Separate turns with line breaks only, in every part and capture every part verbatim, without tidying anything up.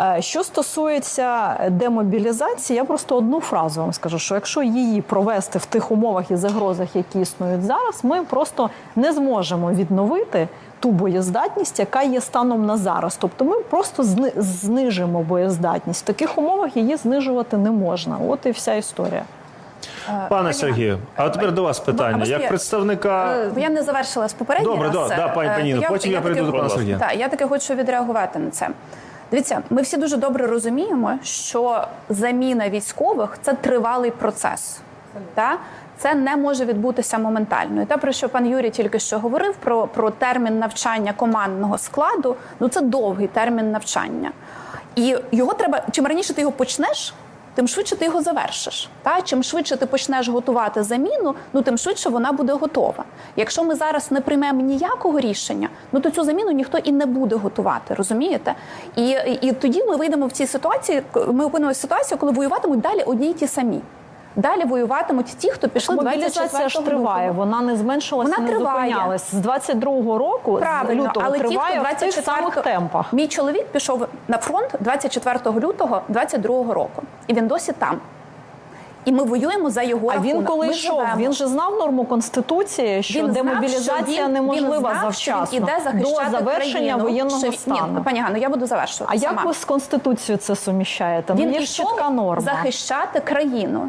Що стосується демобілізації, я просто одну фразу вам скажу, що якщо її провести в тих умовах і загрозах, які існують зараз, ми просто не зможемо відновити ту боєздатність, яка є станом на зараз. Тобто ми просто знижимо боєздатність. В таких умовах її знижувати не можна. От і вся історія.
Пане Сергію, а тепер до вас питання. Як представника...
Я не завершила з попередній
Добре,
раз.
Да, пані Паніно, потім я прийду до пана Сергія.
Так, я таки хочу відреагувати на це. Дивіться, ми всі дуже добре розуміємо, що заміна військових – це тривалий процес. Так? Це не може відбутися моментально. І те, про що пан Юрій тільки що говорив, про, про термін навчання командного складу, ну це довгий термін навчання. І його треба, чим раніше ти його почнеш, тим швидше ти його завершиш. Та? Чим швидше ти почнеш готувати заміну, ну тим швидше вона буде готова. Якщо ми зараз не приймемо ніякого рішення, ну то цю заміну ніхто і не буде готувати, розумієте? І, і, і тоді ми вийдемо в цій ситуації, ми опинимося в ситуації, коли воюватимуть далі одні й ті самі. Далі воюватимуть ті, хто пішли двадцять четвертого
мобілізація ж триває, вона не зменшилася,
вона
не
триває.
зупинялась. З двадцять другого року,
правильно,
з лютого,
але
триває
ті, хто
в тих самих темпах.
Мій чоловік пішов на фронт двадцять четвертого лютого двадцять другого року. І він досі там. І ми воюємо за його
а
рахунок.
А він коли
ми
йшов,
живемо.
він же знав норму Конституції, що
він
демобілізація
знав, що він,
неможлива
він знав,
завчасно,
що він іде захищати
до завершення
країну,
воєнного
що...
стану.
Ні, пані Ганно, я буду завершувати
А
сама.
як ви з Конституцією це суміщаєте?
Він
ну, є
ішов
чітка норма.
захищати країну.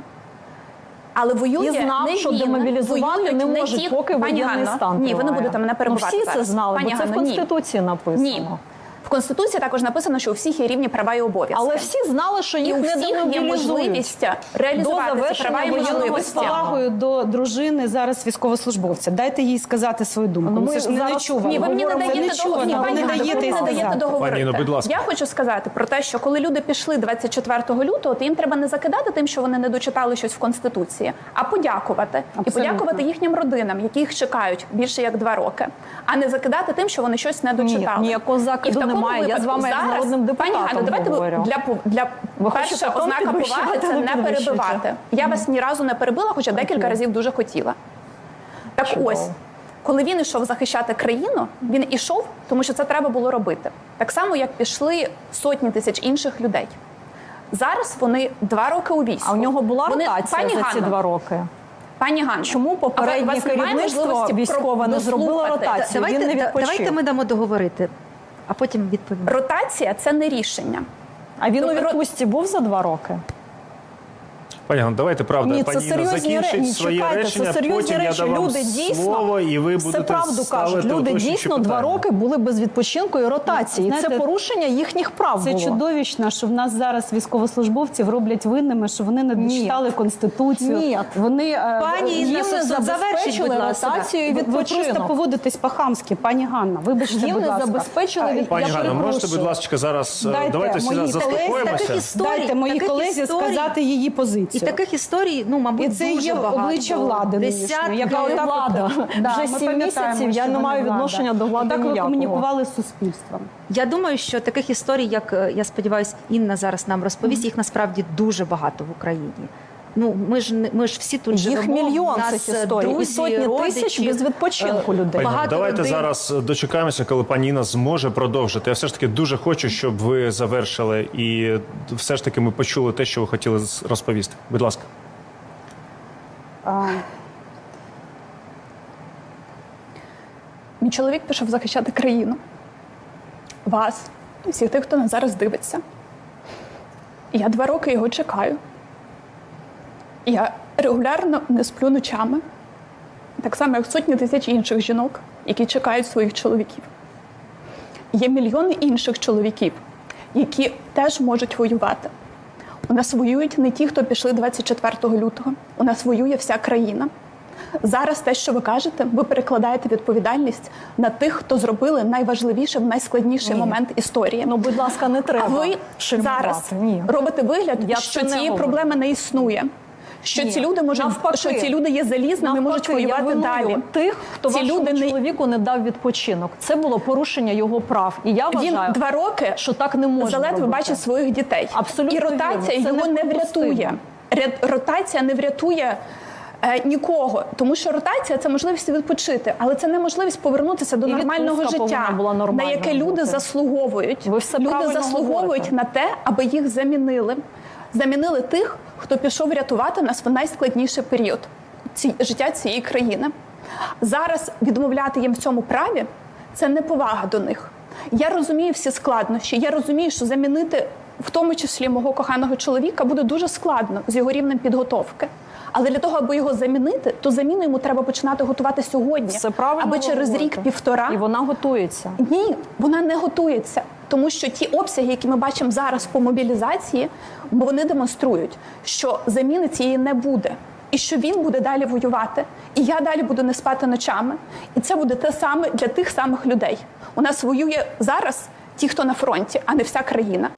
Але воює
і знав,
не
що
він,
демобілізувати не можуть,
ті...
поки воєнний стан триває.
Ні, ви не будете мене перебувати.
Ну, всі це знали,
Пані
бо це
Ганно,
в Конституції
ні.
написано.
Ні. В Конституції також написано, що у всіх є рівні права і обов'язки.
Але всі знали, що їх
і
не
демобілізують. І у всіх є можливість реалізувати ці права і можливості.
З повагою до дружини зараз військовослужбовця. Дайте їй сказати свою думку.
Ну,
ми, ми ж не чуємо.
Ні, ви мені не даєте договорити.
Пані, ну, будь ласка.
Я хочу сказати про те, що коли люди пішли двадцять четвертого лютого, то їм треба не закидати тим, що вони не дочитали щось в Конституції, а подякувати. Абсолютно. І подякувати їхнім родинам, які їх чекають більше як два роки. А не закидати тим, що вони щось не дочитали.
Ні, ніякого закиду немає. Я з вами як народним депутатом
Пані Ганно, давайте
говорю.
для, для перша ознака поваги це не перебивати. Я вас ні разу не перебила, хоча декілька разів дуже хотіла. Так
Чудово.
ось, коли він ішов захищати країну, він ішов, тому що це треба було робити. Так само, як пішли сотні тисяч інших людей. Зараз вони два роки у війську.
А у нього була
вони...
ротація
Пані
за ці
Ганно,
два роки?
Пані Ганно,
чому попереднє керівництво військове не зробило ротацію?
Давайте,
він не відпочив.
Давайте ми дамо договорити, а потім відповімо.
Ротація – це не рішення.
А він у відпустці був за два роки?
Пані Ганно, давайте, правда,
Ні,
пані Інна закінчить
ні,
своє
чекайте,
речення,
це серйозні
потім
речі.
я дам вам
люди дійсно,
слово, і ви будете
все правду
ставити
кажуть. Люди
уточнюючі
дійсно
питання.
два роки були без відпочинку і ротації.
Знаєте,
це порушення їхніх прав
Це
було.
чудовищно, що в нас зараз військовослужбовців роблять винними, що вони не дочитали Конституцію.
Ні.
Вони,
Пані Інна,
їм не
забезпечили
ротацію і
ви
відпочинок.
просто поводитесь по-хамськи, пані Ганна. Вибачте,
Їм
будь
не
ласка.
забезпечили від...
Пані
Я
Ганно, можете,
перепрошую.
будь ласка, зараз
Дайте
давайте всі
моїй
заспокоїмося.
колезі
Дайте моїй
таких
колезі
історій,
сказати її
І
позицію.
таких історій, ну, мабуть,
І це
дуже
є
багато.
обличчя влади нинішньої,
Десятки.
яка
Яка
отак
влада?
от- Да,
Вже
ми
сім
пам'ятаємо,
місяців я
що
не
вона
маю
влада.
відношення до влади
Так ви
ніякого.
комунікували з суспільством.
Я думаю, що таких історій, як, е, я сподіваюся, Інна зараз нам розповість, їх насправді дуже багато в Україні. Ну, ми ж, не- ми ж всі тут
Їх
живемо.
мільйон
в нас
цих історій. І
друзі,
сотні
родичі,
тисяч без відпочинку
е,
людей.
Пані Ганно,
Багато
давайте
родин.
зараз дочекаємося, коли пані Інна зможе продовжити. Я все ж таки дуже хочу, щоб ви завершили і все ж таки ми почули те, що ви хотіли розповісти. Будь ласка.
А,
Мій чоловік пішов захищати країну. Вас, і всіх тих, хто нас зараз дивиться. І я два роки його чекаю. І я регулярно не сплю ночами. Так само, як сотні тисяч інших жінок, які чекають своїх чоловіків. Є мільйони інших чоловіків, які теж можуть воювати. У нас воюють не ті, хто пішли двадцять четвертого лютого. У нас воює вся країна. Зараз те, що ви кажете, ви перекладаєте відповідальність на тих, хто зробили найважливіше в найскладніший
Ні.
момент історії.
Ну, будь ласка, не треба
А ви
шельмувати.
зараз
Ні.
робите вигляд,
Я
що
це не
цієї
говорю.
проблеми не існує. Що
Ні.
ці люди можуть,
Навпаки.
що ці люди є залізними, можуть
Навпаки, я
воювати
виную
далі.
тих, хто
ці
вашому
люди не
чоловіку не дав відпочинок. Це було порушення його прав. І я
він
вважаю,
два роки
що так не можна
заледве
робити.
бачить своїх дітей.
Абсолютно
І ротація
вірно. Це
його не
неприпустимо.
врятує. Ря- Ротація не врятує Е, нікого, тому що ротація – це можливість відпочити, але це не можливість повернутися до
І
нормального
відпустка
життя,
повинна була
на
нормальною
яке люди
бути.
заслуговують.
Ви все
Люди
правильно
заслуговують
говорите.
на те, аби їх замінили. Замінили тих, хто пішов рятувати нас в найскладніший період ці, життя цієї країни. Зараз відмовляти їм в цьому праві – це неповага до них. Я розумію всі складнощі, я розумію, що замінити в тому числі мого коханого чоловіка буде дуже складно з його рівнем підготовки. Але для того, аби його замінити, то заміну йому треба починати готувати сьогодні,
Все правильно
аби через
говорите.
рік-півтора.
І вона готується.
Ні, вона не готується. Тому що ті обсяги, які ми бачимо зараз по мобілізації, вони демонструють, що заміни цієї не буде. І що він буде далі воювати. І я далі буду не спати ночами. І це буде те саме для тих самих людей. У нас воює зараз ті, хто на фронті, а не вся країна.